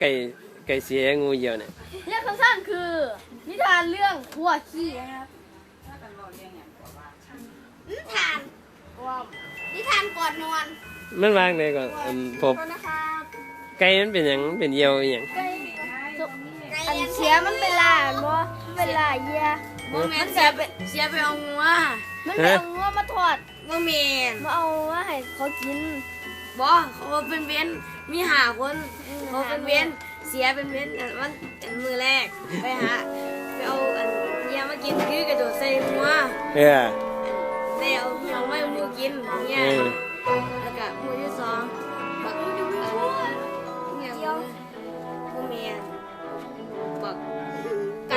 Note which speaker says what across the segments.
Speaker 1: ไก่ไก่เสียงูเหี่ยวเนี่ย
Speaker 2: เรื่องสั้นๆคือนิทานเรื่องหัวขี้นะครับนิทานว้าวนิทานก่อนนอน
Speaker 1: มันวางไหนก่อนพบ
Speaker 2: ก่อนนะครับ
Speaker 1: ไก่มันเป็นหยังเป็นเหี่ยวอหยัง
Speaker 2: ไก่อันเสียมันเป็นลาบ่เป็นลาเยีย
Speaker 3: บ่แม่นเสียไปเอางัว
Speaker 2: มันเป็นเอางัวมาทอด
Speaker 3: บ่แม่น
Speaker 2: มาเอามาให้เขากิน
Speaker 3: บ่เขาเป็นเว้นมีหาคนเขาเป็นเว้นเสียเป็นเว้นอันมันอันมือแรกไปเอาอันเยี่ยมากินคือกระโดดใส่งัว ได้เอาเราไม่มูกินเนี่ยแล้วก็มือที่สองบักเนี่ยมือเมียบักไก่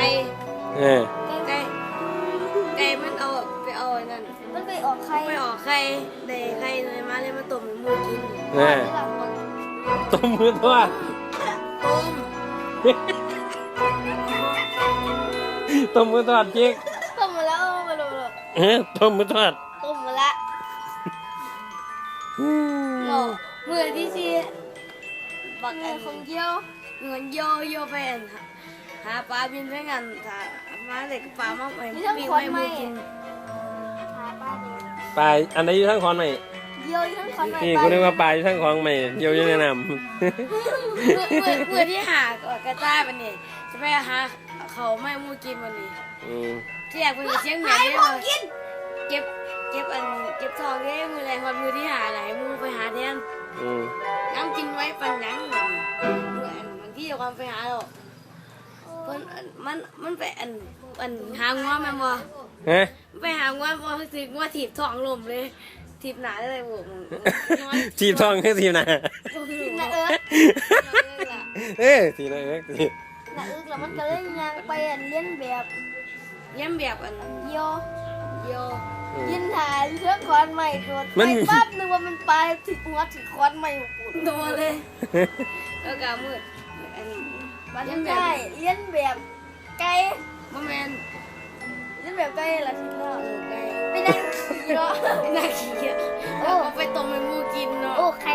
Speaker 3: ไก่มันเอาไปเอาไอ้นั่น
Speaker 2: มันไปออกไข่
Speaker 3: ไปออกไข่ได้ไข่เลยมาเลยมาต้มให้มูกิน
Speaker 1: ต้มมือทอด
Speaker 3: ต้ม
Speaker 1: ต้มมือทอดจิก
Speaker 2: ต้มมาแล้วมาดู
Speaker 1: ต้มมือทอด
Speaker 2: ต้มมาละหล่อมือที่สี่บักอันของเยี่ยว
Speaker 3: เงินโยไปหาปลาบินไปกันถ้ามาเด็กปลามาไปปิ้งให้มูกิน
Speaker 2: หาป้าดู
Speaker 1: ปลาอันไหนอยู่ทั้งคอนไหม
Speaker 2: เยี่ยวทั้งคนมา
Speaker 1: นี่กูนึกว่าปลาอยู่ทั้งคลองไหมเหี่ยวอยู่ในน้
Speaker 3: มือที่หากระต่ายวันนี้จะไปหาเขาไม่มูกินวันนี้
Speaker 1: ำ
Speaker 3: ที่อยากเป็นเชียงใหม่ได้เลยเก็บทองได้มือแรงวันมือที่หาไหลมือไปหาแทนน้ำกินไว้ปันยังมันที่จะความไปหาหรอกมันไปหางัวแม่บ่
Speaker 1: ฮะ
Speaker 3: ไปหางัวพอถึงว่าถีบทองลมเลยถีบหนาเลยบุก
Speaker 1: ทีบทองคือทีบหนา
Speaker 2: นะ
Speaker 1: ทีละเอิกที
Speaker 2: นะแล้วมันก็เลยยังไปเลี้ยนแบบ
Speaker 3: เลี้ยงแบบ
Speaker 2: เยี่ยว
Speaker 3: โย
Speaker 2: ยินหาเรื่องคอนใหม่โดนไปปั๊บนึกว่ามันไปถึงหัวถึงคอนใหม่ปุ่น
Speaker 3: โดนเลยแล้วก็มือ
Speaker 2: มันได้เลี้ยนแบบไก่
Speaker 3: บ่แมน
Speaker 2: เลี้ยนแบบไก่ละทีละ
Speaker 3: ไก่
Speaker 2: ไม่ได้ขี่เนาะ
Speaker 3: น่าขี้เกียจแล้วก็ไปต้มให้มูกินเนาะ
Speaker 2: โอ้ใคร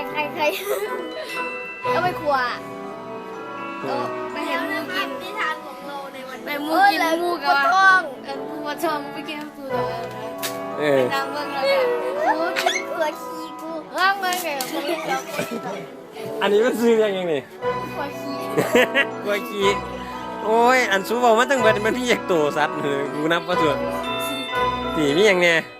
Speaker 2: เอาไปขวา
Speaker 3: ไปให้มูกิน
Speaker 2: นิทานของเราในวัน
Speaker 3: ไปมูกินมูกับว่า
Speaker 2: ท้อง
Speaker 3: มูมาชมไปกินตัว
Speaker 1: เอ
Speaker 3: ไป
Speaker 1: อ
Speaker 3: นั่งเบิ่งแล้วก็
Speaker 2: กูกินเกลือขี้กูร่างมาไงมันเรียกเรา
Speaker 1: อันนี้มันซื้อยังนี่
Speaker 2: ขวาขี้
Speaker 1: กลัวขี้โอ้ยอันซูบอกมาตั้งเบิดมันพี่อยากโตสัตว์กูนับว่าส่วนตีมีอย่างเนี้ย